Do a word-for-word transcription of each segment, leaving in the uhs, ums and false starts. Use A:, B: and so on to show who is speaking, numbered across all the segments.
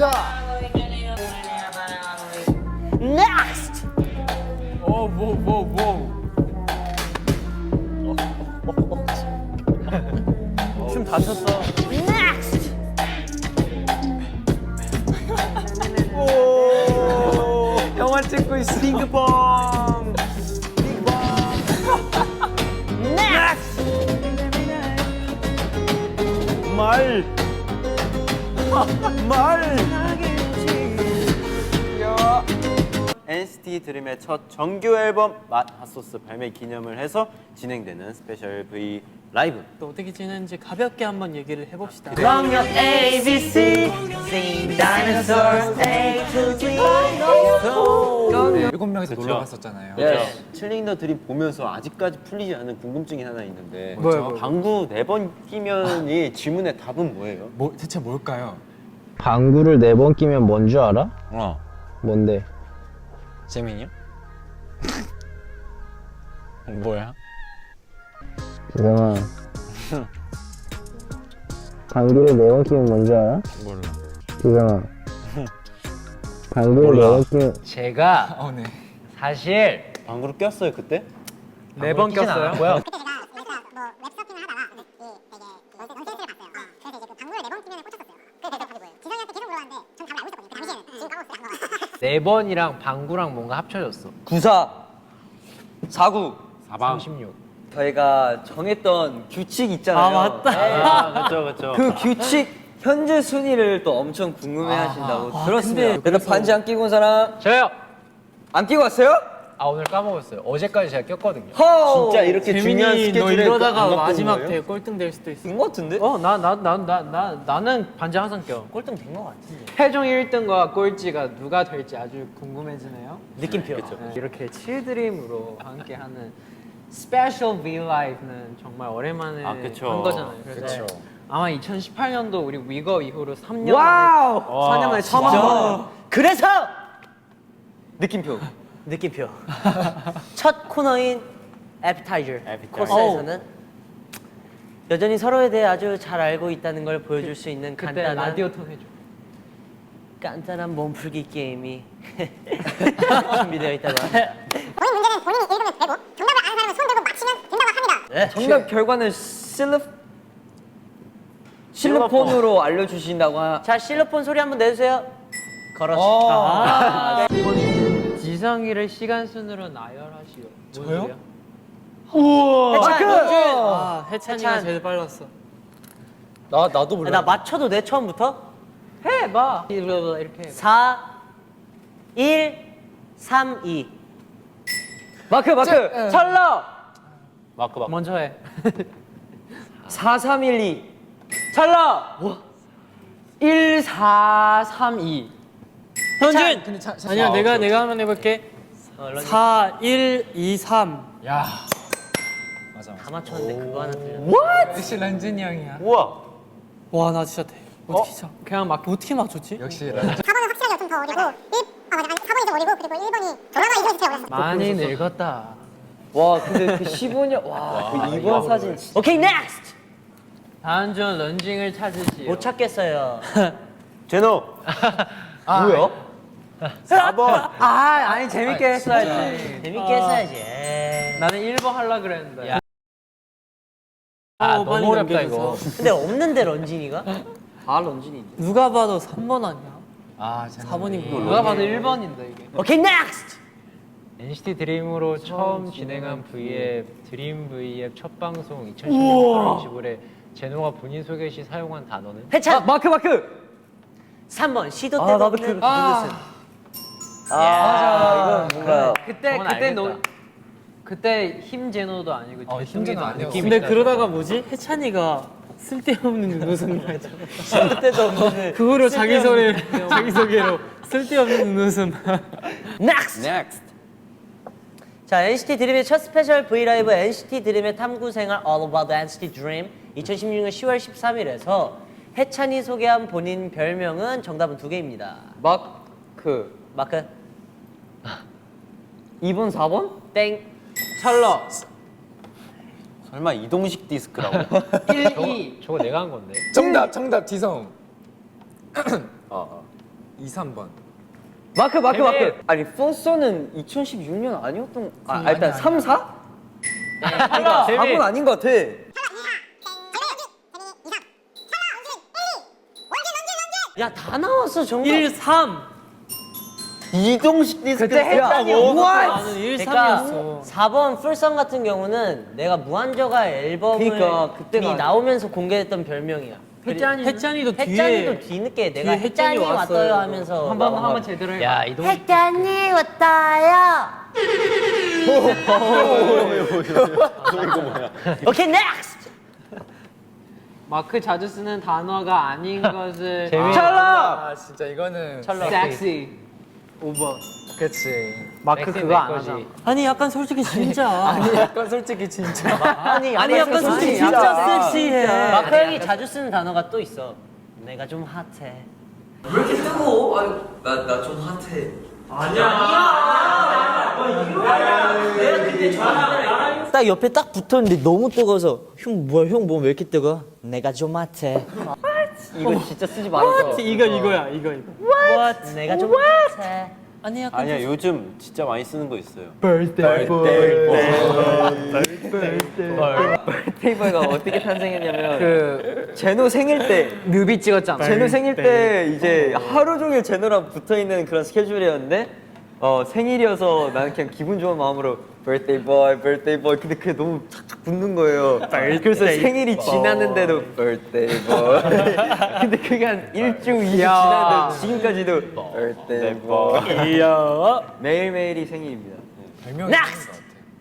A: 갑니다.
B: Next.
C: 오뭐뭐뭐 춤 다 췄어.
B: Next.
C: 영화 찍고 있어. 핑크퐁.
B: Next.
C: 말. 말. 엔시티 드림의 첫 정규 앨범 맛 핫소스 발매 기념을 해서 진행되는 스페셜 V 라이브.
D: 또 어떻게 지내는지 가볍게 한번 얘기를 해봅시다.
B: From your A B C, sing dinosaurs A to Z.
A: 일곱 명이서 놀러 갔었잖아요.
C: 칠링 더 드림 보면서 아직까지 풀리지 않은 궁금증이 하나 있는데
A: 뭐요, 뭐요?
C: 방구 네 번 끼면이 질문의 답은 뭐예요?
A: 뭐 대체 뭘까요?
E: 방구를 네 번 끼면 뭔 줄 알아?
F: 어.
E: 뭔데?
F: 재민이요? 뭐야?
E: 유정아 방구를 네 번 끼면 뭔 줄 알아?
F: 몰라.
E: 유정아 방구를 네 번 끼면
D: 제가
A: 어, 네.
D: 사실
C: 방구를 꼈어요 그때?
D: 네 번 꼈어요.
G: 그때 제가 그래서 뭐 웹서핑을 하다가 이 되게 넌센스를 봤어요. 그래서 이제 그 방구를 네 번 끼면 꽂혔었어요. 그래서 대답이 뭐예요? 지성이한테 계속 물어봤는데 전 답을 알고 있었거든요. 그 당시에는 지금 까먹었어요. 안 나와요.
D: 네 번이랑 방구랑 뭔가 합쳐졌어.
H: 구사 사구
D: 삼십육.
H: 저희가 정했던 규칙 있잖아요.
D: 아 맞다.
C: 아 그렇죠 그렇죠.
H: 그 규칙 현재 순위를 또 엄청 궁금해하신다고 들었습니다.
D: 근데
H: 그래서 반지 안 끼고 온 사람
D: 저요.
H: 안 끼고 왔어요?
D: 아 오늘 까먹었어요. 어제까지 제가 꼈거든요.
H: 허!
C: 진짜 이렇게 중요한
D: 재민이 너
C: 스케줄에
D: 이러다가
C: 안 갖고 온
D: 마지막
C: 거예요?
D: 대 꼴등 될 수도 있어.
H: 인것 같은데?
D: 어 나 나 나 나 나 나는 반지 항상 껴.
B: 꼴등 된 것 같은데.
D: 최종 일 등과 꼴찌가 누가 될지 아주 궁금해지네요.
B: 느낌표.
D: 네, 이렇게 칠드림으로 함께하는 스페셜 V 라이브는 정말 오랜만에
C: 아, 그쵸.
D: 한 거잖아요. 그래서
A: 그쵸.
D: 아마 이천십팔 년도 우리 위거 이후로 삼 년
H: 와우!
D: 만에 사 년 만에 처음
H: 진짜?
D: 한 번.
B: 그래서
H: 느낌표.
B: 느낌표. 첫 코너인 에피타이저
C: 에피타이저.
B: 코스에서는 여전히 서로에 대해 아주 잘 알고 있다는 걸 보여줄 수 있는
D: 그때
B: 간단한
D: 라디오 톤 해줘.
B: 간단한 몸풀기 게임이 준비되어 있다고 합니다.
G: 본인 문제는 본인이 읽으면 되고 정답을 아는 사람은 손 들고 맞히면 된다고 합니다.
B: 네.
H: 정답 결과는 실로 실로폰으로 알려주신다고 하...
B: 자 실로폰 소리 한번 내주세요. 걸었어.
H: 어.
B: 아.
D: 지성이를 시간 순으로 나열하시오. 뭔
A: 저요?
D: 소리야?
B: 해찬, 영준.
D: 아 해찬이가
B: 해찬.
D: 제일 빨랐어.
A: 나 나도 몰라.
B: 나 맞춰도 돼 처음부터?
D: 해봐. 이렇게.
B: 사, 일, 삼, 이.
H: 마크 마크! 철러!
C: 마크 마크.
D: 먼저 해.
H: 사삼일이 철러!
D: 일사삼이.
B: 현준.
A: 근데 자, 자,
D: 아니야
A: 아,
D: 내가
A: 오케이,
D: 내가 한번 해볼게.
B: 어, 런쥔.
D: 사, 일, 이, 삼.
A: 야. 맞아 맞아.
B: 다 맞췄는데 그거 하나 틀렸.
A: 역시 런쥔이 형이야.
C: 우와.
D: 와 나 진짜 대. 어떻게 어? 그냥 막 어떻게 맞췄지?
A: 역시 런쥔.
G: 사 번은 확실하게 좀 더 어리고 일, 아 맞아, 아니 사 번이 좀 어리고 그리고 일 번이 드라마 이름이 제일 어렸어.
D: 많이 늙었다.
H: 와 근데 그 십오 년 와그 이 번 사진 진짜
B: 오케이 넥스트.
D: 다음 주 런징을 찾으시오.
B: 못 찾겠어요.
C: 제노.
H: 뭐야?
C: 사 번.
B: 아 아니 재밌게 했어야지. 재밌게 했어야지. 에이.
D: 나는 일 번 하려 그랬는데.
B: 야.
D: 아
B: 어,
D: 너무 어렵다 이거.
B: 근데 없는데 런쥔이가?
H: 다 런쥔이
D: 누가 봐도 삼 번 아니야?
A: 아
D: 사 번이고 누가 봐도 일 번인데 이게.
B: 오케이 넥스트.
D: 엔시티 드림으로 처음 진행한 V앱 드림 V앱 첫 방송 이천십육 팔월 이십오일에 제노가 본인 소개 시 사용한 단어는?
B: 해찬.
H: 마크 마크!
B: 삼 번 시도
H: 아,
B: 때도
H: 나도
B: 없는
H: 그-
D: 아.
B: 그것은.
H: 아 맞아 이건 뭔가
D: 그때 저건 그때 알겠다. 노 그때 힘 제노도 아니고
A: 어,
D: 재성이도
A: 힘 제노 아니었어.
D: 느낌
A: 근데
D: 있다.
I: 그러다가 뭐지? 해찬이가 쓸데없는 눈웃음을 하죠.
B: 때도 없는.
I: 그거로 자기 소개 자기 소개로 쓸데없는 눈웃음.
B: 넥스트.
C: 넥스트.
B: 자 엔시티 드림의 첫 스페셜 V 라이브 엔시티 드림의 탐구 생활 All About 엔시티 Dream 이천십육 년 시월 십삼일에서 해찬이 소개한 본인 별명은 정답은 두 개입니다.
H: 마크
B: 마크
H: 이 번 사 번?
B: 땡.
D: 찰러
C: 설마 이동식 디스크라고?
D: 일, 이 저거 내가 한 건데.
A: 정답 정답 지성.
C: 어.
A: 이, 삼 번.
H: 마크 마크 마크. 아니 포서는 이천십육 년 아니었던. 아, 아 일단 삼, 사? 그러니까 사 번 아닌 것 같아.
B: 야 다 나왔어 정답.
I: 일, 삼.
C: 이동식 디스크
B: 그때 했다니요.
I: 나는 일,
B: 그러니까
I: 삼이었어.
B: 사 번 풀성 같은 경우는 내가 무한저가 앨범이
H: 그러니까 그때가
B: 나오면서 공개했던 별명이야.
I: 햇짠이 햇짠이도 뒤에
B: 햇짠이도 뒤늦게 내가
I: 뒤에 햇짠이
B: 햇짠이
I: 왔어요.
B: 왔어요 하면서
I: 한번
B: 나온
I: 한번
B: 거야.
I: 제대로 해.
D: 야 이동
B: 햇짠이 왔어요. 오케이 넥스트.
I: 마크 자주 쓰는 단어가 아닌 것을
A: 찰나. 아 진짜 이거는.
I: 섹시 오 번.
A: 그치.
I: 마크 그거 안 하잖아.
B: 아니 약간 솔직히 진짜.
A: 아니 약간 솔직히 진짜.
B: 아니
I: 아니 약간 솔직히
B: 진짜
I: 진짜
B: 섹시해. 마크 형이 자주 쓰는 단어가 또 있어. 내가 좀 핫해. 딱 옆에 딱 붙었는데 너무 뜨거워서 형 뭐야 형 몸 왜 이렇게 뜨거? 내가 좀 핫해.
H: 이거 진짜 쓰지 말아줘.
I: 이거 이거야 이거 이거.
B: What? 내가 좀 핫해. 아니 약간
C: 아니야 요즘 진짜 많이 쓰는 거 있어요.
H: 테이블가 어떻게 탄생했냐면
I: 그
H: 제노 생일 때
I: 뮤비 찍었잖아.
H: 제노 생일 때 이제 하루 종일 제노랑 붙어 있는 그런 스케줄이었는데 어 생일이어서 나는 그냥 기분 좋은 마음으로 birthday boy, birthday boy. 근데 그게 너무 착착 붙는 거예요. 그래서 생일이 지났는데도 birthday boy. 근데 그게 한 일주, 이주 지났는데 지금까지도 birthday boy.
I: 귀여워.
H: 매일매일이 생일입니다.
A: 별명이 있는 것 같아.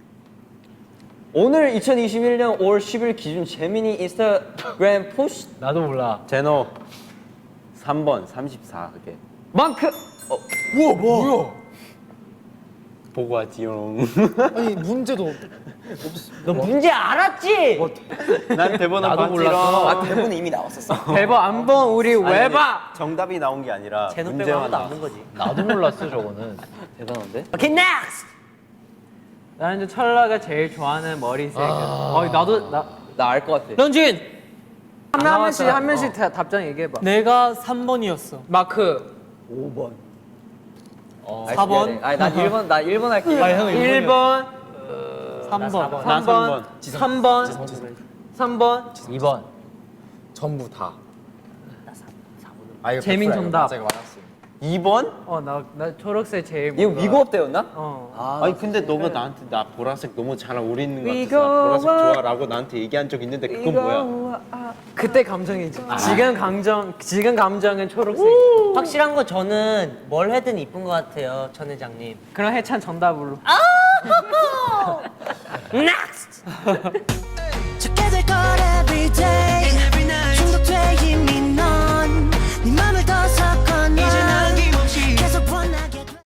H: 오늘 이천이십일 년 오월 십일 기준 재민이 인스타그램 포스트
D: 나도 몰라.
C: 제노 삼 번 삼십사 그게
H: 마크
A: 우와 뭐야?
C: 보고 왔지용.
A: 아니 문제도.
B: 너 문제 알았지?
C: 난 대본을
D: 나도
C: 봤지롱.
D: 몰랐어.
C: 아,
H: 대본에 이미 나왔었어.
I: 대박 한번 우리
C: 아니,
I: 왜
C: 아니,
I: 봐?
C: 정답이 나온 게 아니라
B: 제노 빼고
C: 문제만
B: 아무도 안
C: 나왔어.
B: 본 거지.
D: 나도 몰랐어 저거는.
H: 대단한데?
B: 오케이 넥스트.
I: 나는 이제 철라가 제일 좋아하는 머리색. 어 나도 나
H: 나 알 것 같아.
I: 런쥔 한, 한 명씩 한 명씩 다- 답장 얘기해봐.
A: 내가 삼 번이었어.
I: 마크
H: 오 번.
A: 사 번.
H: 아니 난 일 번 나 일 번 할게.
A: 아, 형
I: 일 번,
A: 삼 번.
I: 삼 번, 삼 번, 삼 번.
D: 이 번.
A: 전부 다. 아, 이거
I: 재민
A: 백프라이어.
I: 정답.
A: 맞아, 이거 맞았어.
C: 이 번?
I: 어 나 나 초록색 제일
H: 이거
I: 몰라.
H: 위고업 때였나?
I: 어.
C: 아니 근데 너가 나한테 나 보라색 너무 잘 어울리는 것
I: 이거
C: 같아서 나 보라색
I: 와-
C: 좋아라고 나한테 얘기한 적 있는데 그건 뭐야?
I: 그때 감정이지. 지금 감정 지금 감정은 초록색.
B: 확실한 거 저는 뭘 해든 이쁜 것 같아요, 전 회장님.
I: 그럼 해찬 정답으로.
B: 넥스트.